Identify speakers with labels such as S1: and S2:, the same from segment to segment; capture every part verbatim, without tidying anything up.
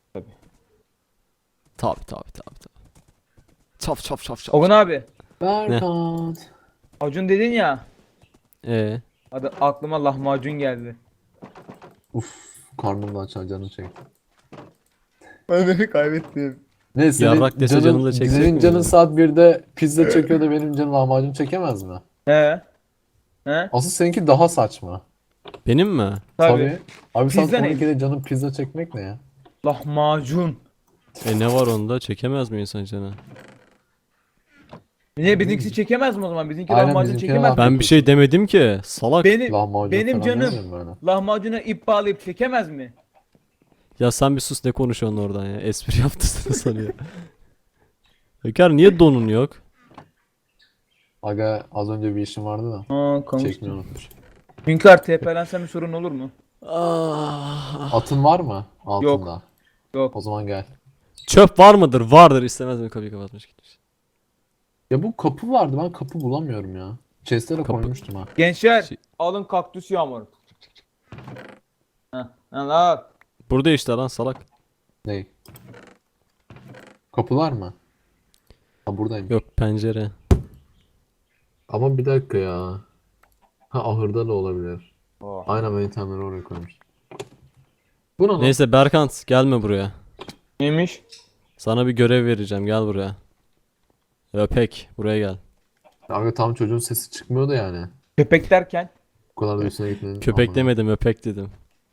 S1: Tabii.
S2: Tabi tabi tabi tabi. Çaf çaf çaf çaf.
S1: Ogun abi.
S3: Berkant.
S1: Acun dedin ya.
S2: Ee,
S1: Adı aklıma lahmacun geldi.
S3: Uf, karnım da aç, canım çekti.
S1: Ben beni kaybettim.
S3: Ne senin
S2: Yarrak dese canım da
S3: canın,
S2: çekecek
S3: senin
S2: mi
S3: canın
S2: ya?
S3: saat birde pizza çekiyor da benim canım lahmacun çekemez mi?
S1: He. He?
S3: Asıl seninki daha saçma.
S2: benim mi?
S1: Tabii.
S3: Abi saat
S1: Pizza ne?
S3: on ikide canım pizza çekmek ne ya?
S1: Lahmacun.
S2: E ne var onda? Çekemez mi insan canı?
S1: Niye bizimkisi çekemez mi o zaman? Bizimki
S3: Aynen,
S1: lahmacun
S3: bizimki
S1: çekemez mi?
S3: lahmacun.
S2: Ben bir şey demedim ki. Salak.
S1: Benim
S3: Lahmacun
S1: benim
S3: falan
S1: canım
S3: demiyorum böyle.
S1: lahmacuna ip bağlayıp çekemez mi?
S2: Ya sen bir sus, ne konuşuyorsun oradan ya? Espri yaptı sana sanıyor. Öker niye donun yok?
S3: Aga az önce bir işim vardı da
S1: Aa,
S3: çekmeyi
S1: kamıştım.
S3: unutmuş.
S1: Hünkar T P'lensem bir sorun olur mu?
S2: Ah.
S3: Atın var mı altında?
S1: Yok.
S3: O zaman gel.
S2: Çöp var mıdır? Vardır, istemez mi? Kapıyı kapatmış gitmiş.
S3: Ya bu kapı vardı, ben kapı bulamıyorum ya. Chest'e de
S2: Kapı-
S3: koymuştum ha.
S1: Gençler
S2: Şey-
S1: alın kaktüs yağmuru. Heh, al al.
S2: Burada işte lan salak.
S3: Ney? Kapılar mı? Ha buradayım.
S2: Yok, pencere.
S3: Ama bir dakika ya. Ha ahırda da olabilir.
S1: Oh.
S3: Aynen, ben itemleri oraya koymuş. Bu ne lan?
S2: Neyse Berkant, gelme buraya.
S1: Neymiş?
S2: Sana bir görev vereceğim, gel buraya. Öpek, buraya gel.
S3: Abi tam çocuğun sesi çıkmıyordu yani.
S1: Köpek derken
S3: Bu kadar da üstüne gitmenin.
S2: Köpek
S3: Aman.
S2: demedim, öpek dedim.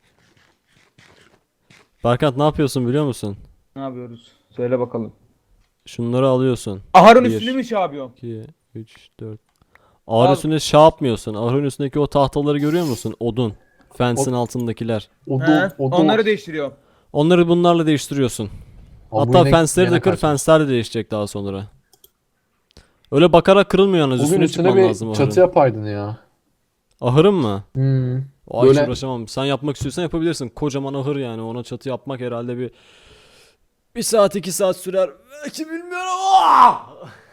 S2: Berkant, ne yapıyorsun biliyor musun?
S1: ne yapıyoruz? Söyle bakalım.
S2: Şunları alıyorsun.
S1: Ahırın
S2: Bir.
S1: üstünde mi şey yapıyorum?
S2: iki, üç, dört. Ağır
S1: Al.
S2: üstünde şey yapmıyorsun. Ağırın üstündeki o tahtaları görüyor musun? Odun. Fence'in altındakiler.
S3: O
S1: He?
S3: da o da.
S1: Onları değiştiriyorum.
S2: Onları bunlarla değiştiriyorsun.
S3: Abi bu
S2: Hatta
S3: inek
S2: fence'leri de
S3: gene
S2: kır,
S3: kaçmış.
S2: fence'ler de değişecek daha sonra. Öyle bakarak kırılmıyor yalnız,
S3: Bugün
S2: üstüne
S3: üstüne
S2: çıkman
S3: bir
S2: lazım
S3: çatı
S2: ahırın.
S3: yapaydın ya.
S2: Ahırın mı?
S3: Hmm.
S2: O hiç
S3: Böyle-
S2: uğraşamam. Sen yapmak istiyorsan yapabilirsin. Kocaman ahır yani. Ona çatı yapmak herhalde bir bir saat iki saat sürer. Belki bilmiyorum. Ah!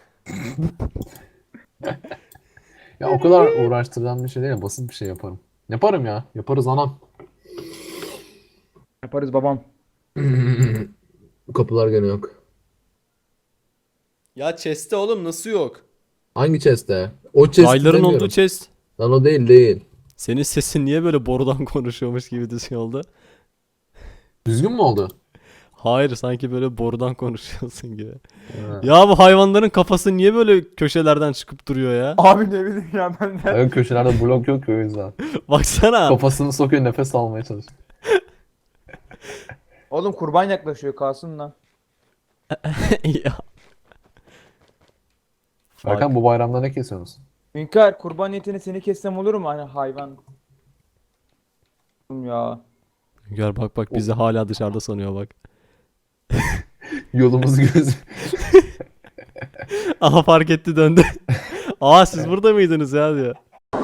S3: Ya o kadar uğraştıran bir şey değil, basit bir şey yaparım. Yaparım ya. Yaparız anam.
S1: Yaparız babam.
S3: Kapılar gene yok.
S2: Ya chest'te oğlum, nasıl yok?
S3: Hangi chest'te? O chest'i
S2: Rayların
S3: demiyorum.
S2: olduğu chest.
S3: Lan o değil değil.
S2: Senin sesin niye böyle borudan konuşuyormuş gibi düşün oldu?
S3: Düzgün mü oldu?
S2: Hayır, sanki böyle borudan konuşuyorsun gibi.
S3: Ha.
S2: Ya bu hayvanların kafası niye böyle köşelerden çıkıp duruyor ya?
S1: Abi ne bileyim ya ben de.
S3: Ön köşelerde blok yok ki o yüzden.
S2: Baksana.
S3: Kafasını sokuyor, nefes almaya çalışıyor.
S1: Oğlum kurban yaklaşıyor kalsın lan.
S2: Ya.
S3: Berkan, bu bayramda ne kesiyorsunuz?
S1: Hünkar kurban niyetine seni kessem olur mu? Hani hayvan. Ya.
S2: Gör bak bak, bizi hala dışarıda sanıyor bak.
S3: Yolumuz göz.
S2: Aha, fark etti, döndü. Aa, siz burada mıydınız ya diyor.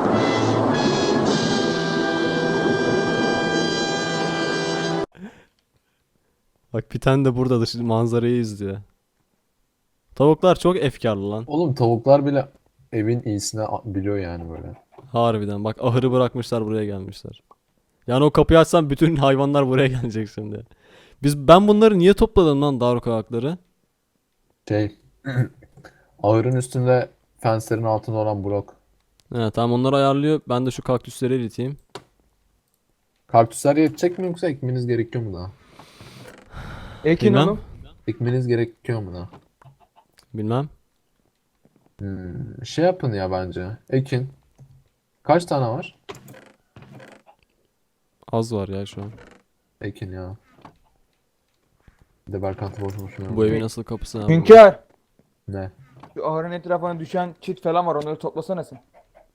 S2: Bak bir tane de burada dış manzarayı izliyor. Tavuklar çok efkarlı lan.
S3: Oğlum tavuklar bile evin iyisini a- biliyor yani böyle.
S2: Harbiden bak, ahırı bırakmışlar, buraya gelmişler. Yani o kapıyı açsam bütün hayvanlar buraya gelecek şimdi. Biz ben bunları niye topladım lan, Daruk ayakları?
S3: Şey. Ahırın üstünde fenslerin altında olan blok.
S2: He tamam, onları ayarlıyor. Ben de şu kaktüsleri eriteyim.
S3: Kaktüsler yetecek mi yoksa ekmeniz gerekiyor mu daha?
S1: Ekin
S2: Bilmem.
S1: oğlum.
S3: Ekmeniz gerekiyor mu daha?
S2: Bilmem.
S3: Hmm, şey yapın ya bence. Ekin. Kaç tane var?
S2: Az var ya şu an.
S3: Ekin ya. Bir de Berkant'ı boş boşuna.
S2: Bu evin nasıl kapısı abi?
S1: Hünkar.
S3: Ne?
S1: Şu ahırın etrafına düşen çit falan var onları toplasana sen.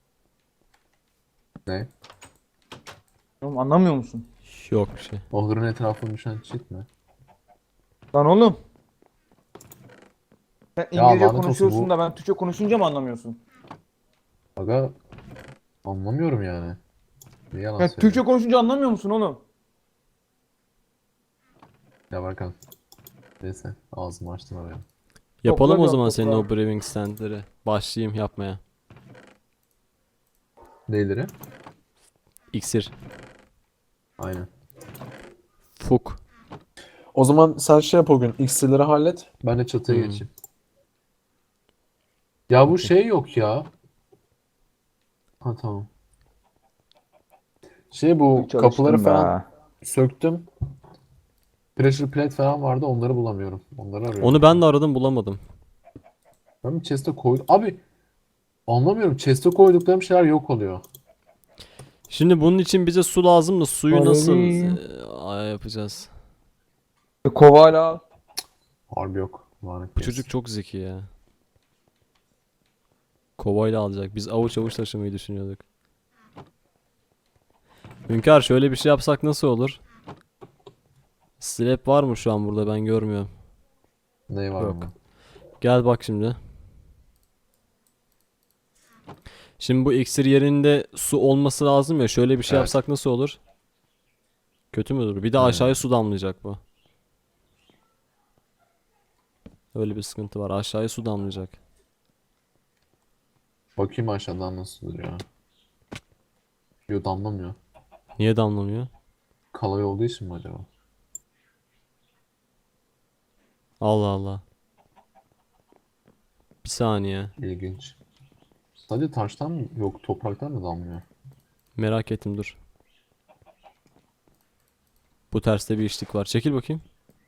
S3: Ne?
S1: Oğlum anlamıyor musun?
S2: Yok bir şey.
S3: Ahırın etrafına düşen çit mi?
S1: Lan oğlum. Sen
S3: Ya
S1: İngilizce
S3: lanet olsun
S1: konuşuyorsun
S3: bu-
S1: da ben Türkçe konuşunca mı anlamıyorsun?
S3: Aga anlamıyorum yani. Ne yalan
S1: Ya
S3: söyleyeyim.
S1: Türkçe konuşunca anlamıyor musun oğlum?
S3: Ya Berkan. Neyse ağzımı açtım oraya.
S2: Yapalım o
S1: Topla
S2: zaman
S1: diyorum,
S2: senin
S1: topla.
S2: o brewing standları. Başlayayım yapmaya.
S3: Neyleri?
S2: İksir.
S3: Aynen.
S2: Fuk.
S3: O zaman sen şey yap o gün. İksirleri hallet. Ben de çatıya
S2: Hmm.
S3: geçeyim. Ya bu şey yok ya. Ha tamam. Şey bu
S4: Çalıştım
S3: kapıları
S4: be.
S3: falan söktüm. Pressure plate falan vardı. Onları bulamıyorum. Onları arıyorum.
S2: Onu ben de aradım bulamadım.
S3: Ben bir chest'e koydum. Abi anlamıyorum. Chest'e koyduklarım şeyler yok oluyor.
S2: Şimdi bunun için bize su lazım da suyu nasıl
S4: Balerin.
S2: e, yapacağız?
S4: Bir Kovala al.
S3: Harbi yok. Lanet
S2: Bu
S3: gelsin.
S2: çocuk çok zeki ya. Kovayla alacak. Biz avuç avuç taşımayı düşünüyorduk. Hünkar şöyle bir şey yapsak nasıl olur? Slab var mı şu an burada ben görmüyorum.
S3: Ne var
S2: Yok.
S3: mı?
S2: Gel bak şimdi. Şimdi bu iksir yerinde su olması lazım ya. Şöyle bir şey
S3: Evet.
S2: yapsak nasıl olur? Kötü mü olur? Bir de
S3: Hmm.
S2: aşağıya su damlayacak bu. Öyle bir sıkıntı var. Aşağıya su damlayacak.
S3: Bakayım aşağıdan nasıl duruyor. Yo damlamıyor.
S2: Niye damlamıyor?
S3: Kalay olduğu için mi acaba?
S2: Allah Allah. Bir saniye.
S3: İlginç. Sadece taştan mı? Yok topraktan mı damlıyor?
S2: Merak ettim dur. Bu terste bir işlik var. Çekil bakayım.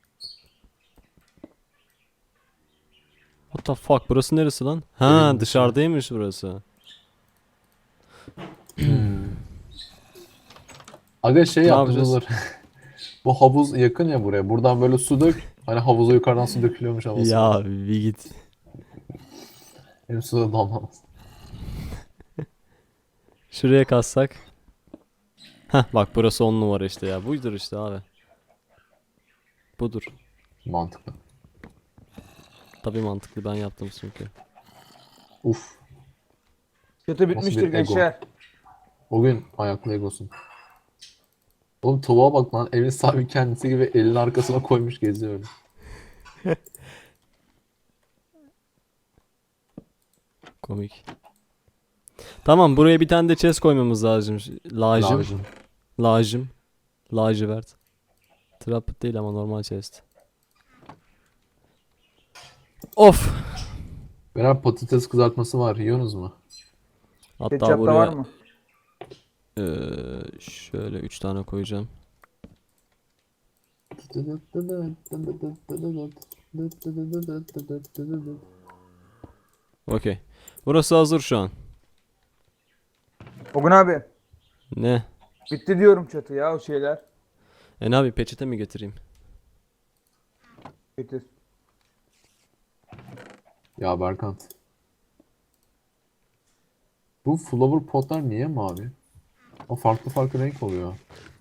S2: What the fuck? Burası neresi lan? Ha
S3: Evin dışı.
S2: dışarıdaymış burası.
S3: Aga şey
S2: Ne
S3: yaptım
S2: yapacağız?
S3: olur. Bu havuz yakın ya buraya. Buradan böyle su dök. Hani havuza yukarıdan su dökülüyormuş havası.
S2: Ya bir git.
S3: Hem suda damlamaz.
S2: Şuraya kassak. Heh bak burası on numara işte ya. Buydur işte abi. Budur.
S3: Mantıklı.
S2: Tabii mantıklı ben yaptım çünkü.
S3: Uf.
S4: Kötü bitmiştir
S3: bir ego.
S4: gençler.
S3: O gün ayaklı egosun. Oğlum tavuğa bak lan. Evin sahibi kendisi gibi elini arkasına koymuş geziyor öyle.
S2: Komik. Tamam buraya bir tane de chest koymamız lazım. Lacım.
S3: Lazım.
S2: Lacım. Lacivert. Trap değil ama normal chest. Of.
S3: Beraber patates kızartması var. Yiyorsunuz mu?
S2: Hatta
S4: Ketçap da
S2: buraya
S4: var mı?
S2: eee, şöyle üç tane koyacağım. Okey. Burası hazır şu an.
S4: Ogun abi.
S2: Ne?
S4: Bitti diyorum çatı ya o şeyler.
S2: E ne abi peçete mi getireyim?
S4: Bitti.
S3: Ya Berkant. Bu flower potlar niye mavi? O farklı farklı renk oluyor.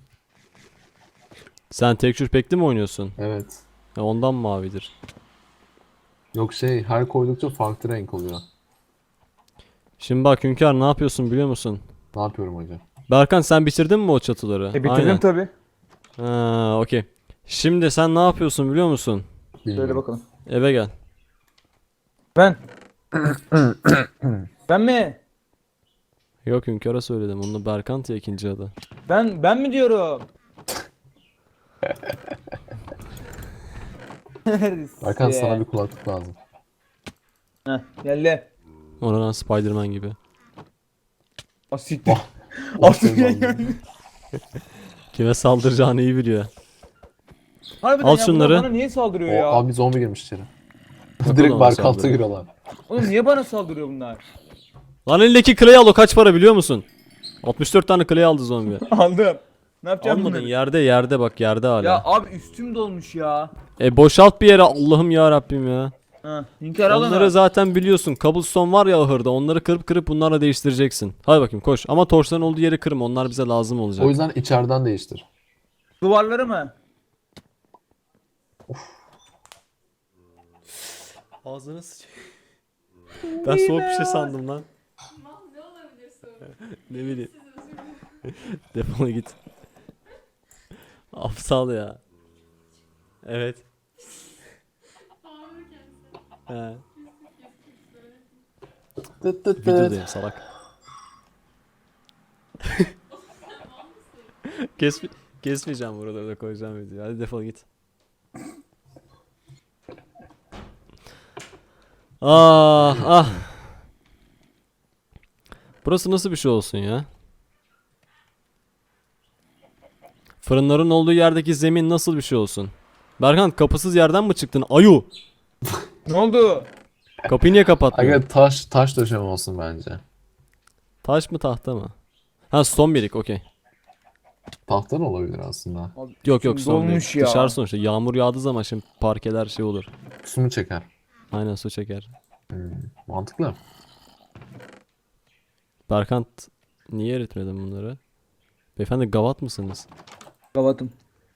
S2: Sen texture pack'li mi oynuyorsun?
S3: Evet.
S2: E ondan mavidir.
S3: Yok şey her koydukça farklı renk oluyor.
S2: Şimdi bak Hünkar ne yapıyorsun biliyor musun?
S3: Ne yapıyorum hocam?
S2: Berkan sen bitirdin mi o çatıları?
S4: E bitirdim
S2: Aynen.
S4: tabi.
S2: Ha, okey. Şimdi sen ne yapıyorsun biliyor musun?
S4: Söyle
S3: Bilmiyorum.
S4: bakalım.
S2: Eve gel.
S4: Ben. Ben mi?
S2: Yok Hünkar'a söyledim. Onu Berkant ya ikinci adı.
S4: Ben ben mi diyorum?
S3: Berkant sana bir kulaklık lazım.
S4: Heh, geldi.
S2: Oradan Spider-Man gibi.
S4: Asiktir.
S3: O
S4: Artık
S3: şey
S4: geldi.
S3: lazım.
S2: Kime saldıracağını iyi biliyor.
S4: Harbiden
S2: Al
S4: ya, bunlar
S2: şunları.
S4: bana niye saldırıyor
S3: O
S4: ya?
S3: abi zombi girmiş içeri.
S2: Bakalım
S3: Direkt
S2: ona
S3: Berkant'a
S2: saldırıyor.
S3: giriyorlar.
S4: Oğlum niye bana saldırıyor bunlar?
S2: Lan elindeki clay al o kaç para biliyor musun? altmış dört tane clay aldı zombi.
S4: Aldım. Ne yapacağım
S2: Almadın
S4: bunları?
S2: yerde yerde bak yerde hala.
S4: Ya abi üstüm dolmuş ya.
S2: E boşalt bir yere Allah'ım ya Rabbim ya.
S4: Ha, Hünkar al
S2: Onları
S4: onu.
S2: zaten biliyorsun. Cobblestone var ya ahırda. Onları kırıp kırıp bunlarla değiştireceksin. Hadi bakayım koş. Ama torçların olduğu yeri kırma. Onlar bize lazım olacak.
S3: O yüzden içeriden değiştir.
S4: Duvarları mı?
S2: Ağzını sıçayım. Ben soğuk bir şey sandım lan.
S5: Ne olabilir sorun?
S2: Ne bileyim.
S5: Siz özür dilerim.
S2: Defol git. Aptal ya. Evet.
S5: Ağlarken
S2: He.
S3: Tıt tıt tıt.
S2: Videodayım salak. Kes, kesmeyeceğim burada da koyacağım videoyu. Hadi defol git. Ah ah. Burası nasıl bir şey olsun ya? Fırınların olduğu yerdeki zemin nasıl bir şey olsun? Berkan kapısız yerden mi çıktın? Ayu.
S4: Ne oldu?
S2: Kapıyı niye kapatmıyorsun?
S3: Aga taş taş döşeme olsun bence.
S2: Taş mı tahta mı? Ha stone brick okey.
S3: Tahta da olabilir aslında.
S4: Abi,
S2: Yok yok
S4: üstüm
S2: stone
S4: dolmuş
S2: brick.
S4: ya.
S2: Dışarı sonuçta yağmur yağdığı zaman şimdi parkeler şey olur.
S3: Su mu çeker?
S2: Aynen su çeker.
S3: Hmm, mantıklı.
S2: Berkant niye eritmedin bunları? Beyefendi gavat mısınız?
S4: Kavatım.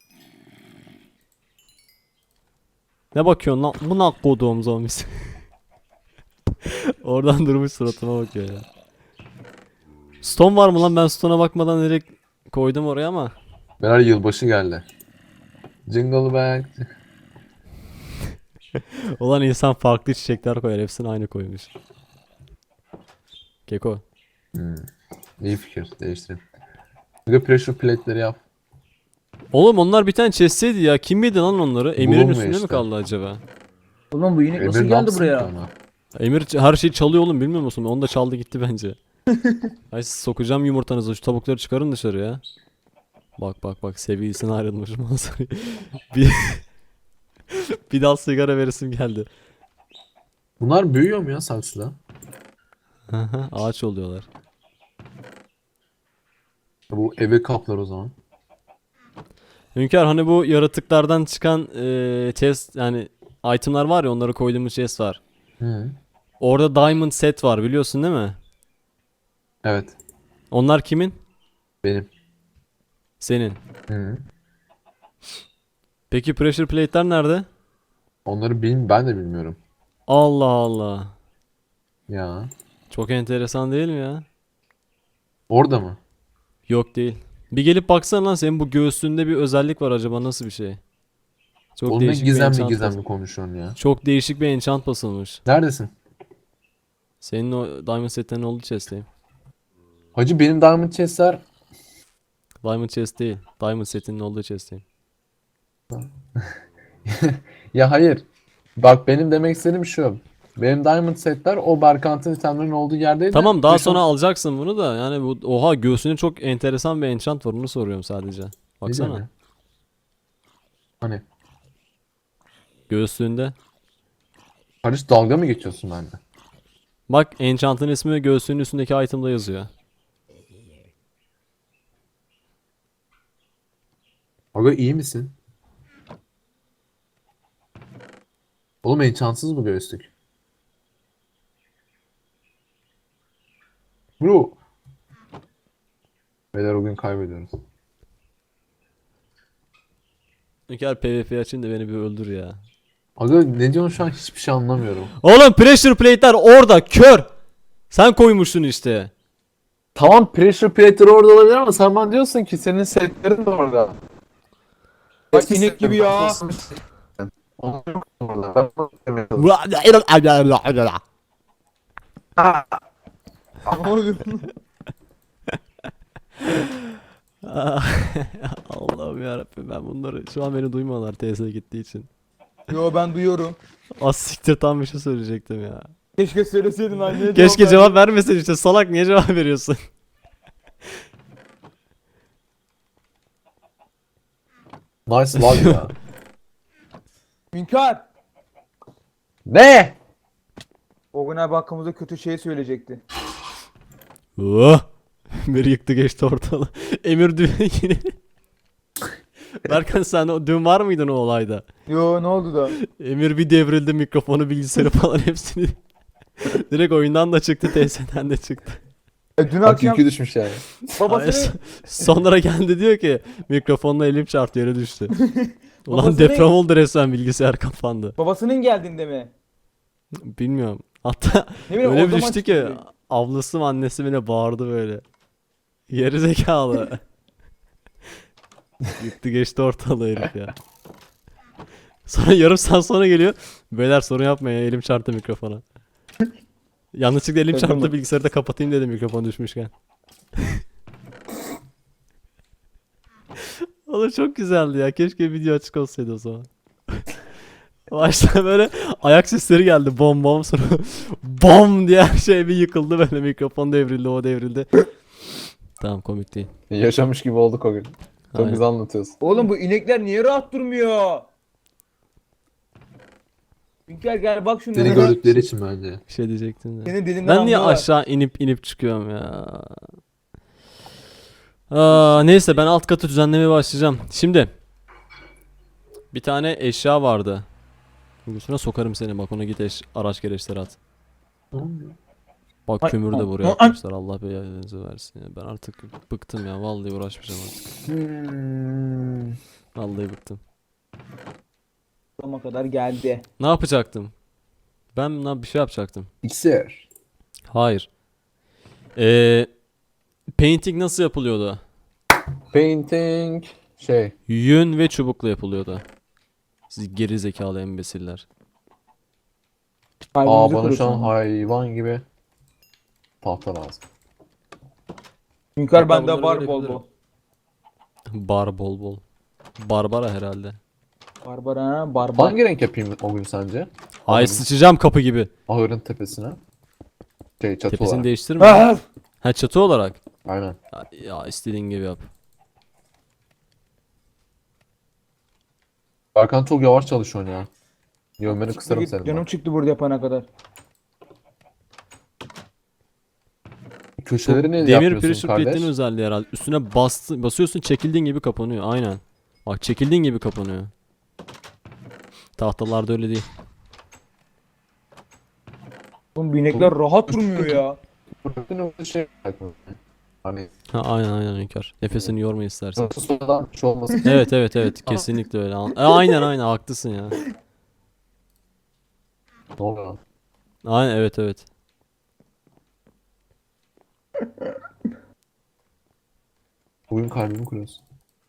S2: Ne bakıyorsun lan? Bu nak koduğum zombisi. Oradan durmuş suratıma bakıyor ya. Stone var mı lan? Ben stone'a bakmadan direkt koydum oraya ama.
S3: Beyler yılbaşı geldi. Jingle bell.
S2: Olan insan farklı çiçekler koyar. Hepsini aynı koymuş. Keko.
S3: Hmm. İyi fikir. Değiştirin. Aga pressure plate'leri yap.
S2: Oğlum onlar bir tane chest'teydi ya. Kim yedi lan onları? Emir'in
S3: Bulunmuyor
S2: üstünde mi
S3: işte.
S2: kaldı acaba?
S4: Oğlum bu inek nasıl
S3: Emir ne
S4: geldi
S3: yapsın ki
S4: buraya?
S3: ona?
S2: Emir ç- her şeyi çalıyor oğlum bilmiyor musun? Onu da çaldı gitti bence. Ay sokacağım yumurtanızı. Şu tavukları çıkarın dışarı ya. Bak bak bak sevgilisine ayrılmış manzarayı. bir, bir dal sigara veresim geldi.
S3: Bunlar büyüyor mu ya saksıda?
S2: Ağaç oluyorlar.
S3: Bu eve kaplar o zaman.
S2: Hünkar hani bu yaratıklardan çıkan eee chest yani itemlar var ya onları koyduğumuz chest var.
S3: Hı.
S2: Orada diamond set var biliyorsun değil mi?
S3: Evet.
S2: Onlar kimin?
S3: Benim.
S2: Senin.
S3: Hı.
S2: Peki pressure plate'ler nerede?
S3: Onları bil ben de bilmiyorum.
S2: Allah Allah.
S3: Ya.
S2: Çok enteresan değil mi ya?
S3: Orada mı?
S2: Yok değil. Bir gelip baksana lan senin bu göğsünde bir özellik var acaba nasıl bir şey? Çok
S3: Oğlum ne
S2: değişik bir
S3: gizemli
S2: enchant
S3: gizemli
S2: bas-
S3: konuşuyorsun ya.
S2: Çok değişik bir enchant basılmış.
S3: Neredesin?
S2: Senin o diamond setlerin olduğu chest'teyim.
S3: Hacı benim diamond chest'ler.
S2: Diamond chest değil. Diamond setinin olduğu chest'teyim.
S3: Ya hayır. Bak benim demek istediğim şu. Benim diamond setler o Berkant'ın itemlerinin olduğu yerdeydi.
S2: Tamam daha
S3: Beş on-
S2: sonra alacaksın bunu da yani bu oha göğsünde çok enteresan bir enchant var onu soruyorum sadece.
S3: Ne
S2: Baksana.
S3: diyorsun ya? Hani
S2: Göğsünde.
S3: Karış dalga mı geçiyorsun bende?
S2: Bak enchant'ın ismi göğsünün üstündeki item'da yazıyor.
S3: Aga iyi misin? Oğlum enchantsız bu göğüslük. Bro. Beyler o gün kaybediyoruz.
S2: Hünkar PvP açın da beni bir öldür ya.
S3: Aga ne diyorsun şu an hiçbir şey anlamıyorum.
S2: Oğlum pressure plate'ler orada kör. Sen koymuşsun işte.
S3: Tamam pressure plate'ler orada olabilir ama sen bana diyorsun ki senin setlerin de orada.
S4: Bak inek gibi ya.
S3: Onlar yok orada. Ben bunu demiyorum.
S4: Ne oldu?
S2: Allah'ım yarabbim ben bunları şu an beni duymuyorlar T S'ye gittiği için.
S4: Yo ben duyuyorum.
S2: Az siktir tam bir şey söyleyecektim ya.
S4: Keşke söyleseydin anneye.
S2: Keşke cevap vermesin işte salak niye cevap veriyorsun?
S3: Nice love ya.
S4: Hünkar.
S3: Ne?
S4: O gün abi hakkımızda kötü şey söyleyecekti.
S2: Oh! Emir yıktı geçti ortalığı. Emir dün yine... Berkan sen o, dün var mıydın o olayda?
S4: Yo ne oldu da?
S2: Emir bir devrildi mikrofonu bilgisayarı falan hepsini. Direkt oyundan da çıktı T S'den de çıktı.
S4: E, dün
S3: Bak
S4: akşam
S3: yükü düşmüş yani.
S2: Ay,
S4: babasını
S2: so- Sonra geldi diyor ki mikrofonla elim çarptı yere düştü. Ulan
S4: Babası
S2: deprem
S4: ne?
S2: oldu resmen bilgisayar kapandı.
S4: babasının geldiğinde mi?
S2: Bilmiyorum. Hatta
S4: Ne bileyim,
S2: öyle
S4: o
S2: bir
S4: zaman
S2: düştü ki
S4: çıktı.
S2: ablası mı annesi mi ne bağırdı böyle. Geri zekalı. Yıktı geçti ortalığı herif ya. Sonra yarım saat sonra geliyor. Beyler sorun yapmayın ya, elim çarptı mikrofona. Yanlışlıkla elim
S4: Şaka
S2: çarptı
S4: mı?
S2: bilgisayarı da kapatayım dedim mikrofon düşmüşken. Oğlum çok güzeldi ya. Keşke video açık olsaydı o zaman. Başta böyle ayak sesleri geldi. Bom bom sonra bom diye her şey bir yıkıldı böyle mikrofon devrildi o devrildi. Tamam komik değil.
S3: Yaşamış gibi olduk o gün. Çok
S2: Aynen.
S3: güzel anlatıyorsun.
S4: Oğlum bu inekler niye rahat durmuyor? Hünkar gel bak şunlara.
S3: Seni gördükleri için bence.
S2: Bir şey diyecektim de.
S4: Senin dediğinden
S2: Ben niye
S4: anlıyorlar.
S2: aşağı inip inip çıkıyorum ya? Aa, neyse ben alt katı düzenlemeye başlayacağım. Şimdi bir tane eşya vardı. Üstüne sokarım seni bak ona git eş, araç gereçleri at. Bak
S4: Ay,
S2: kömür de
S4: ay,
S2: buraya
S4: ay.
S2: atmışlar. Allah belanızı versin ya. Ben artık bıktım ya. Vallahi uğraşmayacağım artık.
S3: Hmm.
S2: Vallahi bıktım.
S4: Sonuna kadar geldi.
S2: Ne yapacaktım? Ben ne bir şey yapacaktım.
S3: İksir.
S2: Hayır. Ee, painting nasıl yapılıyordu?
S3: Painting. Şey.
S2: Yün ve çubukla yapılıyordu. Siz geri zekalı imbesiller.
S3: Aa
S4: Kalbimizi
S3: bana şu an
S4: kırıyorsun.
S3: hayvan gibi tahta lazım.
S4: Hünkar
S2: Hatta
S4: bende
S2: bunları
S4: var
S2: böyle
S4: bol
S2: yapabilirim.
S4: bol.
S2: Bar bol bol. Barbara herhalde.
S4: Barbara ha, barbar.
S3: Hangi renk yapayım o gün sence?
S2: Ay sıçacağım kapı gibi.
S3: Ahırın tepesine. Şey çatı
S2: Tepesini
S3: olarak.
S2: değiştirme.
S4: Ah!
S2: Ha çatı olarak.
S3: Aynen.
S2: Ya, ya istediğin gibi yap.
S3: Berkan çok yavaş çalışıyorsun ya. Yönmeni kısarım
S4: Git,
S3: senin.
S4: Canım
S3: bak.
S4: çıktı burada yapana kadar.
S3: Köşeleri ne
S2: Demir
S3: yapıyorsun
S2: pressure
S3: kardeş?
S2: plate'in özelliği herhalde. Üstüne bastı, basıyorsun çekildiğin gibi kapanıyor. Aynen. Bak çekildiğin gibi kapanıyor. Tahtalarda öyle değil.
S4: Oğlum bu inekler rahat durmuyor ya.
S3: Burada şey hani
S2: Ha aynen aynen Hünkar. Nefesini yorma istersen.
S3: nasıl sonradan bir şey olmasın.
S2: Evet evet evet kesinlikle öyle. An- E, aynen aynen haklısın ya.
S3: Ne oluyor lan?
S2: Aynen evet evet.
S3: Bugün kalbimi kırıyorsun.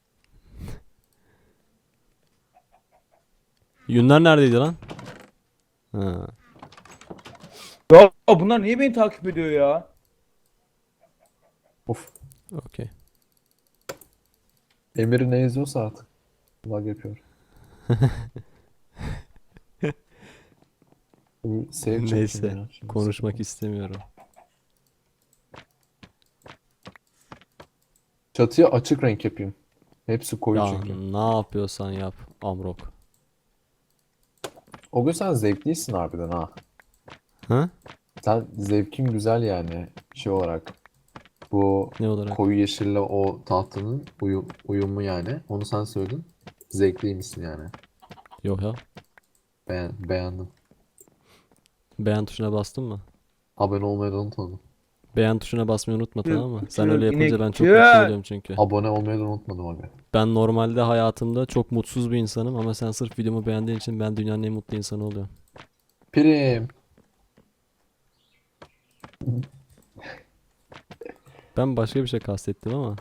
S2: Yünler neredeydi lan? Ha.
S4: Ya bunlar niye beni takip ediyor ya?
S3: Of.
S2: Okey.
S3: Emir ne izliyorsa artık. Vlog yapıyor. Bu save çekeyim
S2: Neyse
S3: ya. Şimdi
S2: konuşmak istemiyorum.
S3: Çatıya açık renk yapayım. Hepsi koyu
S2: Ya
S3: çünkü.
S2: ne yapıyorsan yap Amrok.
S3: O gün sen zevklisin harbiden ha.
S2: Ha?
S3: Sen zevkin güzel yani şey olarak. Bu
S2: Ne olarak?
S3: koyu yeşille o tahtanın uyum, uyumu yani. Onu sen söyledin. Zevkliymişsin yani.
S2: Yok ya.
S3: Beğen, beğendim.
S2: Beğen tuşuna bastın mı?
S3: Abone olmayı da unutmadım.
S2: Beğen tuşuna basmayı unutma tamam mı? Sen
S4: Çık,
S2: öyle yapınca ben çok
S4: inek,
S2: mutlu
S4: çık.
S2: oluyorum çünkü.
S3: Abone olmayı da unutmadım abi.
S2: Ben normalde hayatımda çok mutsuz bir insanım ama sen sırf videomu beğendiğin için ben dünyanın en mutlu insanı oluyorum.
S3: Prim.
S2: Ben başka bir şey kastettim ama.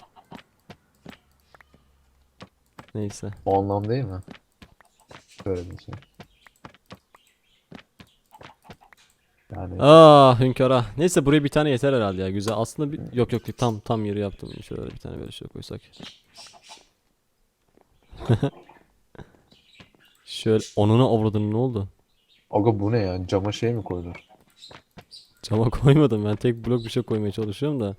S2: Neyse.
S3: O anlam değil mi? Böyle bir şey. Yani
S2: Ah hünkara. Neyse buraya bir tane yeter herhalde ya. Güzel. Aslında bir... yok yok tam tam yeri yaptım. Şöyle bir tane böyle şey koysak. Şöyle onuna avradın ne oldu?
S3: aga bu ne ya? Cama şey mi koydun?
S2: Cama koymadım ben tek blok bir şey koymaya çalışıyorum da.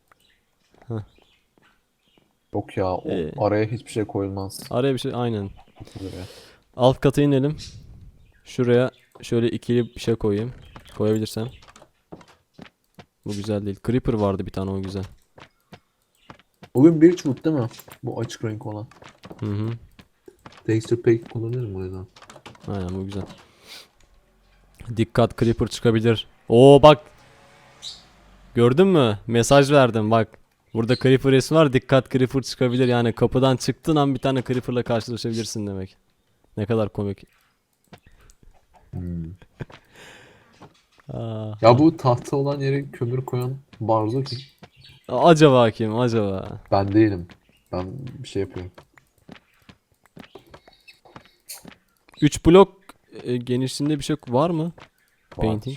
S3: Yok ya o
S2: Ee.
S3: araya hiçbir şey koyulmaz.
S2: Araya bir şey aynen.
S3: Buraya.
S2: Alt kata inelim. Şuraya şöyle ikili bir şey koyayım. Koyabilirsem. Bu güzel değil. Creeper vardı bir tane o güzel.
S3: Bugün bir çubuk değil mi? Bu açık renk olan.
S2: Hı hı.
S3: Texture pack kullanırım o yüzden.
S2: Aynen bu güzel. Dikkat Creeper çıkabilir. Oo bak. Gördün mü? Mesaj verdim bak. Burada Creeper resmi var. Dikkat Creeper çıkabilir. Yani kapıdan çıktığın an bir tane Creeper'la karşılaşabilirsin demek. Ne kadar komik.
S3: Hmm.
S2: Aa,
S3: Ya bu tahta olan yere kömür koyan Barzo kim?
S2: acaba kim? Acaba?
S3: Ben değilim. Ben bir şey yapıyorum.
S2: üç blok e, genişliğinde bir şey var mı?
S3: Var.
S2: Painting.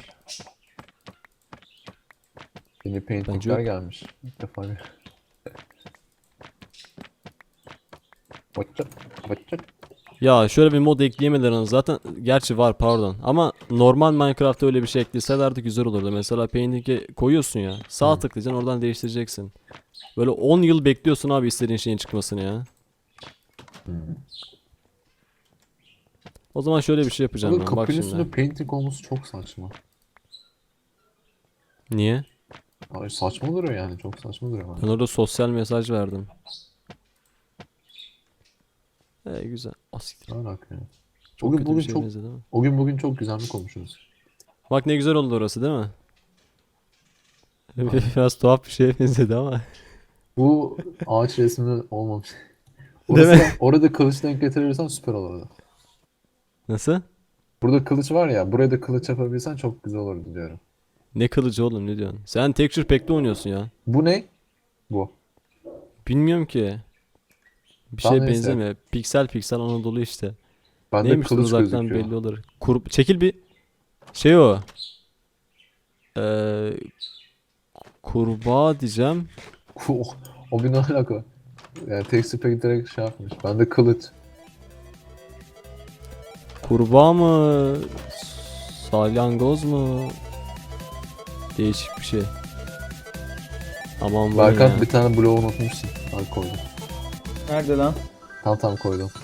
S3: Yeni
S2: Bence
S3: paintingler
S2: yok.
S3: gelmiş. İlk defa gör- Bakacak, bakacak.
S2: Ya şöyle bir mod ekleyemediler onu zaten. Gerçi var pardon. Ama normal Minecraft'ta öyle bir şey ekleselerdi güzel olurdu. Mesela painting'e koyuyorsun ya. Sağ
S3: Hı.
S2: tıklayacaksın oradan değiştireceksin. Böyle on yıl bekliyorsun abi istediğin şeyin çıkmasını ya.
S3: Hmm.
S2: O zaman şöyle bir şey yapacağım
S3: Ama
S2: ben. Bak
S3: kapının
S2: şimdi.
S3: üstünde painting olması çok saçma.
S2: Niye?
S3: Ay saçma duruyor yani. Çok saçma duruyor
S2: Ben
S3: bence.
S2: orada sosyal mesaj verdim. Ee güzel. Asiktir.
S3: Ne alaka ya?
S2: Çok
S3: Bugün
S2: kötü
S3: bugün
S2: bir şeye
S3: çok
S2: benzedi ama.
S3: o gün bugün çok güzel mi konuşuyoruz?
S2: Bak ne güzel oldu orası değil mi?
S3: Aynen.
S2: Biraz tuhaf bir şeye benzedi ama.
S3: Bu ağaç resmi olmamış.
S2: Değil
S3: Orası,
S2: mi?
S3: orada kılıç denk getirebilirsen süper olurdu.
S2: Nasıl?
S3: Burada kılıç var ya, buraya da kılıç yapabilsen çok güzel olurdu diyorum.
S2: Ne kılıcı oğlum ne diyorsun? Sen Texture Pack'te oynuyorsun ya.
S3: Bu ne? Bu.
S2: Bilmiyorum ki. Bir
S3: Tamam,
S2: şey
S3: neyse.
S2: benzemiyor. Piksel piksel Anadolu işte.
S3: Bende
S2: Neymiş
S3: kılıç
S2: uzaktan
S3: gözüküyor.
S2: belli olur. Kur çekil bir şey o. Ee, kurbağa diyeceğim.
S3: Oh, o bir ne alaka? Yani texture pack direkt şey yapmış. Bende kılıç.
S2: Kurbağa mı? Salyangoz mu? Değişik bir şey. Aman bu ne
S3: Berkant
S2: ya.
S3: bir tane bloğu unutmuşsun. Hadi koydum.
S4: Nerede lan?
S3: Tam tam koydum.